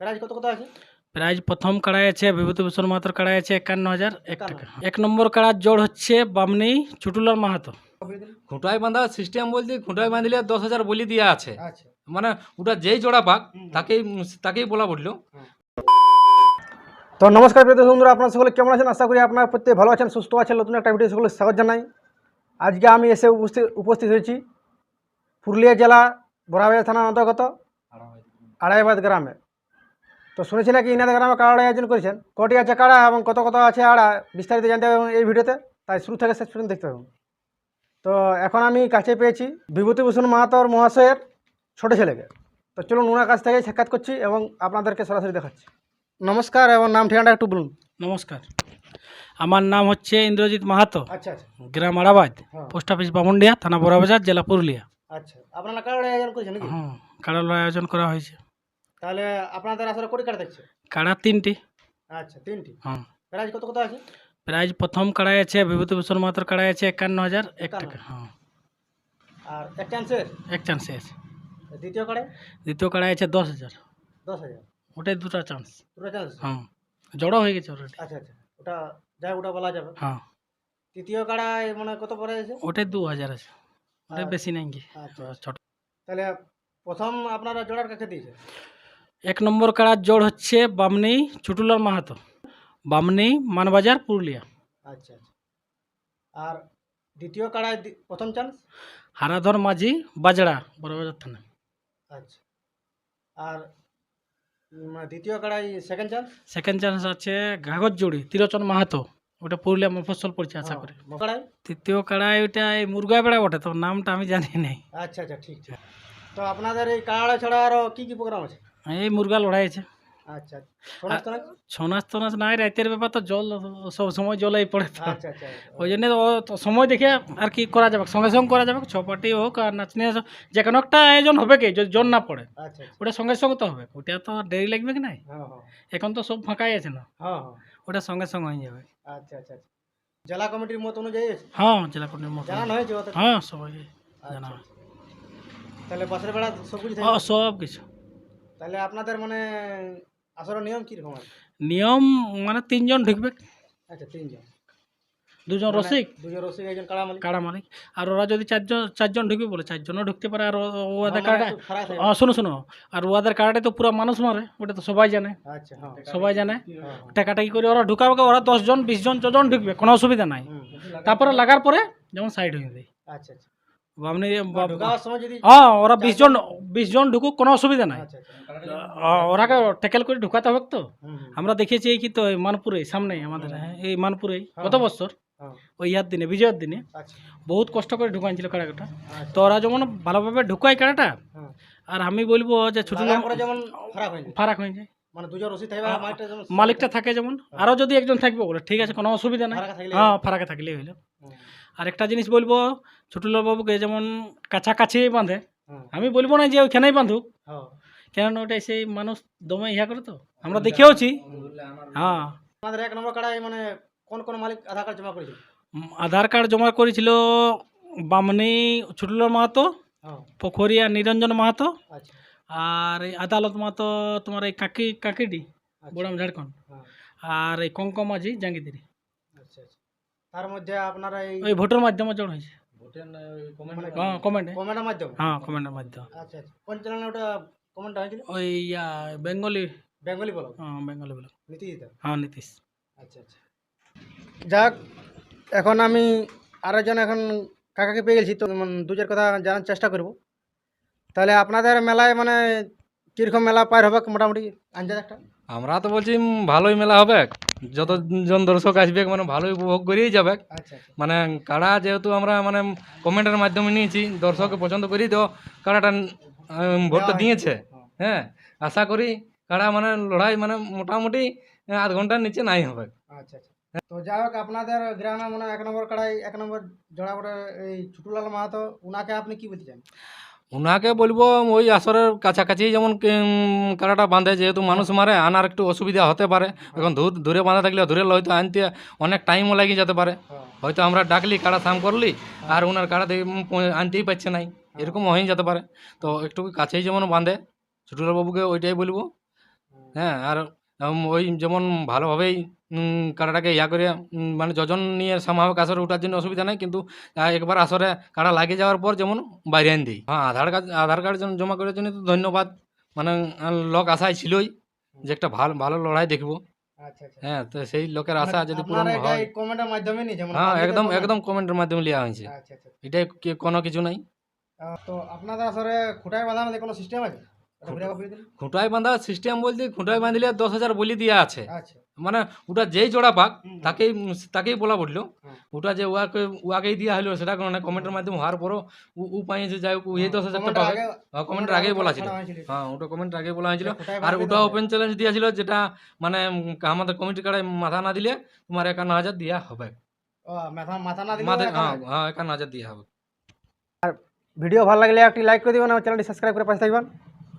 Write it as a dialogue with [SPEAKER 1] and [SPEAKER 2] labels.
[SPEAKER 1] Prize কত কত আছে?
[SPEAKER 2] প্রাইজ প্রথম কাড়াই আছে বিভূতিভূষণ মাহাতোর কাড়াই আছে 51,001 টাকা। 1 নম্বর কাড়ার জোড় হচ্ছে বামনি ছুটুলাল মাহাতো।
[SPEAKER 3] খুঁটায় বাঁধা সিস্টেম বলতে খুঁটায় বাঁধলে 10,000 বলি দেওয়া আছে,
[SPEAKER 1] আচ্ছা।
[SPEAKER 3] মানে ওটা যেই জোড়া পাক তাকেই বলা বললো।
[SPEAKER 1] তো নমস্কার প্রিয় বন্ধুরা, আপনারা সকলে কেমন আছেন? আশা করি আপনারা প্রত্যেকে ভালো আছেন, সুস্থ আছেন। নতুন একটা ভিডিও সকলে স্বাগত জানাই। আজকে আমি এসে উপস্থিত হয়েছি পুরুলিয়া জেলা বড়াবাজার থানার অন্তর্গত আড়াইবাদ গ্রামে। তো শুনেছি নাকি ইনাদের গ্রামে কাড়া আয়োজন করেছেন। কটি আছে কাড়া এবং কত কত আছে আড়া, বিস্তারিত জানতে হবে এই ভিডিওতে, তাই শুরু থেকে শেষ পর্যন্ত দেখতে হবে। তো এখন আমি কাছে পেয়েছি বিভূতিভূষণ মাহাতোর মহাশয়ের ছোট ছেলেকে। তো চলুন ওনার কাছ থেকে সাক্ষাৎ করছি এবং আপনাদেরকে সরাসরি দেখাচ্ছি। নমস্কার, এবং নাম ঠিকানাটা একটু বলুন।
[SPEAKER 2] নমস্কার, আমার নাম হচ্ছে ইন্দ্রজিৎ মাহাতো,
[SPEAKER 1] আচ্ছা আচ্ছা
[SPEAKER 2] গ্রাম আড়াবাদ,
[SPEAKER 1] হ্যাঁ।
[SPEAKER 2] পোস্ট অফিস বামুনডিয়া, থানা বড়াবাজার, জেলা পুরুলিয়া।
[SPEAKER 1] আচ্ছা, আপনারা কাড়া আয়োজন করেছেন নাকি?
[SPEAKER 2] হ্যাঁ, কাড়ার আয়োজন করা হয়েছে।
[SPEAKER 1] তাহলে আপনাদের আসলে কোটি কাড়া দেখছে?
[SPEAKER 2] কাড়া 3টি।
[SPEAKER 1] আচ্ছা, 3টি।
[SPEAKER 2] হ্যাঁ,
[SPEAKER 1] প্রাইজ কত কত আছে?
[SPEAKER 2] প্রাইজ প্রথম কাড়াই আছে বিভূতিভূষণ মাহাতোর কাড়াই আছে 51,001 টাকা। হ্যাঁ,
[SPEAKER 1] আর এক চান্সের
[SPEAKER 2] এক চান্সে আছে।
[SPEAKER 1] দ্বিতীয় কাড়ায়
[SPEAKER 2] দ্বিতীয় কাড়াই আছে 10,000।
[SPEAKER 1] 10,000।
[SPEAKER 2] ওটাই দুটো চান্স।
[SPEAKER 1] দুটো চান্স?
[SPEAKER 2] হ্যাঁ, জড়ো হয়ে গেছে অলরেডি।
[SPEAKER 1] আচ্ছা আচ্ছা, ওটা যাই ওটা বলা যাবে।
[SPEAKER 2] হ্যাঁ,
[SPEAKER 1] তৃতীয় কাড়ায় মানে কত পড়ে আছে?
[SPEAKER 2] ওটাই 2,000 আছে। ওটা
[SPEAKER 1] আর-
[SPEAKER 2] বেশি নাই কি।
[SPEAKER 1] আচ্ছা আচ্ছা।
[SPEAKER 2] ছোট।
[SPEAKER 1] তাহলে প্রথম আপনারা জোড়ার কাছে দিয়েছে?
[SPEAKER 2] 1 নম্বর কাড়ার জোড় হচ্ছে বামনি ছুটুলাল মাহাতো, বামনি মানবাজার, পুরুলিয়া।
[SPEAKER 1] আচ্ছা আচ্ছা। আর দ্বিতীয় কাড়ায় প্রথম চান্স?
[SPEAKER 2] হারাধর মাঝি, বাজড়া, বড়বাজার থানা।
[SPEAKER 1] আচ্ছা। আর দ্বিতীয় কাড়াই সেকেন্ড চান্স?
[SPEAKER 2] সেকেন্ড চান্স আছে ঘাগরজুড়ি, তিলোচন মাহাতো, ওটা পুরুলিয়া মফস্বল পড়ছে আশা করি।
[SPEAKER 1] কাড়াই?
[SPEAKER 2] তৃতীয় কাড়াই ওইটা এই মুরগা বেড়া বটে, তো নামটা আমি জানি নাই।
[SPEAKER 1] আচ্ছা আচ্ছা, ঠিক ঠিক। তো আপনাদের এই কাড়া ছাড়া আরও কী কী প্রোগ্রাম আছে?
[SPEAKER 2] এই মুরগা লড়াই আছে।
[SPEAKER 1] আচ্ছা, সোনাজ টোনাজ?
[SPEAKER 2] ছৌ নাচ নাই, রাতের ব্যাপার তো জল সব সময় জলেই পড়ে তো।
[SPEAKER 1] আচ্ছা আচ্ছা।
[SPEAKER 2] ওই জন্য তো সময় দেখে আর কি করা যাবে, সঙ্গে সঙ্গে করা যাবে। ছপাটি হোক আর নাচনি যে কোনো একটা আয়োজন হবে কি, যদি জল না পড়ে
[SPEAKER 1] আচ্ছা আচ্ছা।
[SPEAKER 2] ওটা সঙ্গে সঙ্গে তো হবে। ওটা তো আর দেরি লাগবে কি নাই।
[SPEAKER 1] হ্যাঁ হ্যাঁ
[SPEAKER 2] এখন তো সব ফাঁকাই আছে না,
[SPEAKER 1] হ্যাঁ হ্যাঁ।
[SPEAKER 2] ওটা সঙ্গে সঙ্গে হয়ে যাবে।
[SPEAKER 1] আচ্ছা আচ্ছা আচ্ছা। জেলা কমিটির মত অনুযায়ী আছে?
[SPEAKER 2] হ্যাঁ, জেলা কোর্টের মতো।
[SPEAKER 1] জানানো হয়েছে ওদের?
[SPEAKER 2] হ্যাঁ, সবাই জানা।
[SPEAKER 1] আচ্ছা, আচ্ছা। তাহলে বাসের বেড়া সব কিছু
[SPEAKER 2] হ্যাঁ, সব কিছু।
[SPEAKER 1] তাহলে আপনাদের মানে আসলে নিয়ম কীরকম আছে?
[SPEAKER 2] নিয়ম মানে 3 জন ঢুকবে,
[SPEAKER 1] আচ্ছা, 3 জন।
[SPEAKER 2] 2 জন রসিক,
[SPEAKER 1] 2 জন রসিক, একজন কাড়া মালিক।
[SPEAKER 2] কাড়া মালিক। আর ওরা যদি 4 জন ঢুকবে বলে 4 জনও ঢুকতে পারে। আর ওদের কাড়া,
[SPEAKER 1] খারাপ হয়ে
[SPEAKER 2] হ্যাঁ শোনো, আর ওদের কাড়াটা তো পুরো মানুষ মারে, ওটা তো সবাই জানে।
[SPEAKER 1] আচ্ছা, হ্যাঁ
[SPEAKER 2] সবাই জানে।
[SPEAKER 1] হ্যাঁ,
[SPEAKER 2] টাকাটাকি করে ওরা ঢুকাবে, ওরা 10 জন 20 জন যজন ঢুকবে, কোনো অসুবিধা নাই।
[SPEAKER 1] হুম।
[SPEAKER 2] তারপরে লাগার পরে যেমন সাইড হয়ে যায়
[SPEAKER 1] আচ্ছা আচ্ছা।
[SPEAKER 2] আপনি।
[SPEAKER 1] ঢোকাবার সময় যদি
[SPEAKER 2] হ্যাঁ, ওরা 20 জন ঢুকুক, কোনো অসুবিধা নাই।
[SPEAKER 1] আচ্ছা আচ্ছা।
[SPEAKER 2] ওরাকে ট্যাকেল করে ঢুকাতে হবে তো।
[SPEAKER 1] হুম হুম।
[SPEAKER 2] আমরা দেখেছি এই কি তো এই মানপুরে সামনে আমাদের, হ্যাঁ, এই মানপুরে গত বছর
[SPEAKER 1] হ্যাঁ,
[SPEAKER 2] ওই দিনে, বিজয়ের দিনে
[SPEAKER 1] আচ্ছা
[SPEAKER 2] বহুত কষ্ট করে ঢুকাইছিল কাড়াটা।
[SPEAKER 1] আচ্ছা।
[SPEAKER 2] তো ওরা যেমন ভালোভাবে ঢুকায় কাড়াটা,
[SPEAKER 1] হ্যাঁ।
[SPEAKER 2] আর আমি বলবো যে ছোট
[SPEAKER 1] লাগার পরে যেমন খারাপ হয়ে যায়,
[SPEAKER 2] ফারাক হয়ে যায়।
[SPEAKER 1] মানে 2 জন রসিক থাকবে আর মালিকটা যেমন
[SPEAKER 2] মালিকটা থাকে যেমন, আরও যদি একজন থাকবে বলে ঠিক আছে, কোনো অসুবিধা নাই।
[SPEAKER 1] ফারাকে থাকলে।
[SPEAKER 2] হ্যাঁ, ফারাকে থাকলেই হইলো।
[SPEAKER 1] হুম,
[SPEAKER 2] আর একটা জিনিস বলবো, ছোটলাল বাবুকে যেমন কাছাকাছি বাঁধে,
[SPEAKER 1] হুম,
[SPEAKER 2] আমি বলবো না যে ওইখানেই বাঁধুক,
[SPEAKER 1] হ্যাঁ।
[SPEAKER 2] কেননা ওটাই সেই মানুষ দমে ইহা করে তো আমরা দেখেওছি। হ্যাঁ,
[SPEAKER 1] আমাদের 1 নম্বর কাড়ায় মানে কোন কোন মালিক আধার কার্ড জমা করেছিল?
[SPEAKER 2] আধার কার্ড জমা করেছিল বামনি ছোটলাল মাহাতো,
[SPEAKER 1] হ্যাঁ।
[SPEAKER 2] পোখরিয়া নিরঞ্জন মাহাতো,
[SPEAKER 1] আচ্ছা
[SPEAKER 2] আর এই আদালত মাহাতো তোমার এই কাকিডি,
[SPEAKER 1] আচ্ছা।
[SPEAKER 2] বোড়াম ঝাড়খণ্ড,
[SPEAKER 1] হ্যাঁ,
[SPEAKER 2] আর এই কঙ্কম মাঝি জাঙ্গিদিরি।
[SPEAKER 1] আচ্ছা আচ্ছা। তার মধ্যে আপনারা এই
[SPEAKER 2] ওই ভোটের মাধ্যমে জড় হয়েছে।
[SPEAKER 1] মানে
[SPEAKER 2] হ্যাঁ, কমেন্টে।
[SPEAKER 1] কমেন্টের মাধ্যমে?
[SPEAKER 2] হ্যাঁ, কমেন্টের মাধ্যমে।
[SPEAKER 1] আচ্ছা আচ্ছা। কোন চ্যানেলে ওটা কমেন্ট হয়েছিল?
[SPEAKER 2] ওই বেঙ্গলি।
[SPEAKER 1] বেঙ্গলি বলো?
[SPEAKER 2] হ্যাঁ, বেঙ্গলি বলে।
[SPEAKER 1] নীতিদিতা?
[SPEAKER 2] হ্যাঁ, নীতিশ।
[SPEAKER 1] আচ্ছা আচ্ছা। যাক, এখন আমি আরেকজন এখন কাকাকে পেয়ে গেছি, তো 2-4 কথা জানার চেষ্টা করব। তাহলে আপনাদের মেলায় মানে কীরকম মেলা পার হবে মোটামুটি আন্দাজ একটা?
[SPEAKER 3] আমরা তো বলছি ভালোই মেলা হবে, যতজন দর্শক আসবে মানে ভালোই উপভোগ করেই যাবে।
[SPEAKER 1] আচ্ছা আচ্ছা।
[SPEAKER 3] মানে কাড়া যেহেতু আমরা মানে কমেন্টের মাধ্যমে নিয়েছি, দর্শককে পছন্দ করি তো কাড়াটা ভোটটা দিয়েছে। হ্যাঁ, আশা করি কাড়া মানে লড়াই মানে মোটামুটি আধ ঘন্টার নিচে নাই হবে।
[SPEAKER 1] আচ্ছা আচ্ছা। তো যাই হোক, আপনাদের গ্রামে মানে 1 নম্বর কাড়াই 1 নম্বর জোড়া করে এই ছুটুলাল মাহাতো, উনাকে আপনি কি বলতে চান?
[SPEAKER 3] ওনাকে বলবো ওই আসরের কাছাকাছি যেমন কাড়াটা বাঁধে, যেহেতু মানুষ মারে আনার একটু অসুবিধা হতে পারে। এখন দূরে বাঁধা থাকলে দূরে হয়তো আনতে অনেক টাইমও লাগিয়ে যেতে পারে।
[SPEAKER 1] হ্যাঁ।
[SPEAKER 3] হয়তো আমরা ডাকলি কাড়া সাম করলি আর ওনার কাড়া আনতেই পারছে নাই, এরকম হয়ে যেতে পারে। তো একটু কাছেই যেমন বাঁধে ছোটলাল বাবুকে ওইটাই বলবো। হ্যাঁ আর ওই যেমন ভালোভাবেই কাড়াটাকে ইয়া করে মানে যোজন নিয়ে সামাভাবে আসরে ওঠার জন্য অসুবিধা নেই, কিন্তু একবার আসরে কাড়া লাগিয়ে যাওয়ার পর যেমন বাইরে আন দিই। হ্যাঁ আধার কার্ড জমা করার জন্য তো ধন্যবাদ, মানে লোক আশায় ছিলই যে একটা ভালো ভালো লড়াই দেখবো।
[SPEAKER 1] আচ্ছা আচ্ছা।
[SPEAKER 3] হ্যাঁ তো সেই লোকের আশা যদি পূরণ
[SPEAKER 1] আপনারা এটা
[SPEAKER 3] হয়,
[SPEAKER 1] এই কমেন্টের মাধ্যমে নি যেমন
[SPEAKER 3] হ্যাঁ
[SPEAKER 1] public এর
[SPEAKER 3] একদম
[SPEAKER 1] comment?
[SPEAKER 3] একদম কমেন্টের মাধ্যমে লিয়া হয়েছে,
[SPEAKER 1] আচ্ছা আচ্ছা।
[SPEAKER 3] এটাই কোনো কিছু নাই।
[SPEAKER 1] তো আপনাদের আসলে খুঁটায় বাঁধার মধ্যে কোনো সিস্টেম আছে? এটা ঘুরে ঘুরে দিন।
[SPEAKER 3] খুঁটায় বাঁধা সিস্টেম বলতে খুঁটায় বাঁধলে 10,000 বলি দিয়া আছে,
[SPEAKER 1] আচ্ছা।
[SPEAKER 3] মানে ওটা যেই জোড়া পাক
[SPEAKER 1] হুম।
[SPEAKER 3] তাকেই বলা পড়লো।
[SPEAKER 1] হুম।
[SPEAKER 3] ওটা যে উয়াকেই দিয়া হলো সেটা কোনো না, কমেন্টের মাধ্যমে হওয়ার পরও ও পাইছে যাই হোক এই 10,000
[SPEAKER 1] কমেন্টের
[SPEAKER 3] পাবে।
[SPEAKER 1] আগে
[SPEAKER 3] কমেন্টের আগেই বলা ছিল,
[SPEAKER 1] ছাড়া হয়েছিল।
[SPEAKER 3] হ্যাঁ ওটা কমেন্টের আগে বলা হয়েছিল।
[SPEAKER 1] খুঁটায়
[SPEAKER 3] আর
[SPEAKER 1] বাঁধা
[SPEAKER 3] ওটা
[SPEAKER 1] দিতে
[SPEAKER 3] ওপেন চ্যালেঞ্জ দিয়েছিল, যেটা মানে আমাদের কমিটি কার্ডে মাথা না দিলে তোমার 51,000 দিয়া হবে।
[SPEAKER 1] ও মাথা মাথা না দিলে
[SPEAKER 3] মাথা
[SPEAKER 1] একা
[SPEAKER 3] হ্যাঁ
[SPEAKER 1] না।
[SPEAKER 3] হ্যাঁ 51,000 দিয়া হবে।
[SPEAKER 1] ভিডিও ভালো লাগলে একটি লাইক করে দিবেন আর চ্যানেলটি সাবস্ক্রাইব করে পাশে থাকবেন।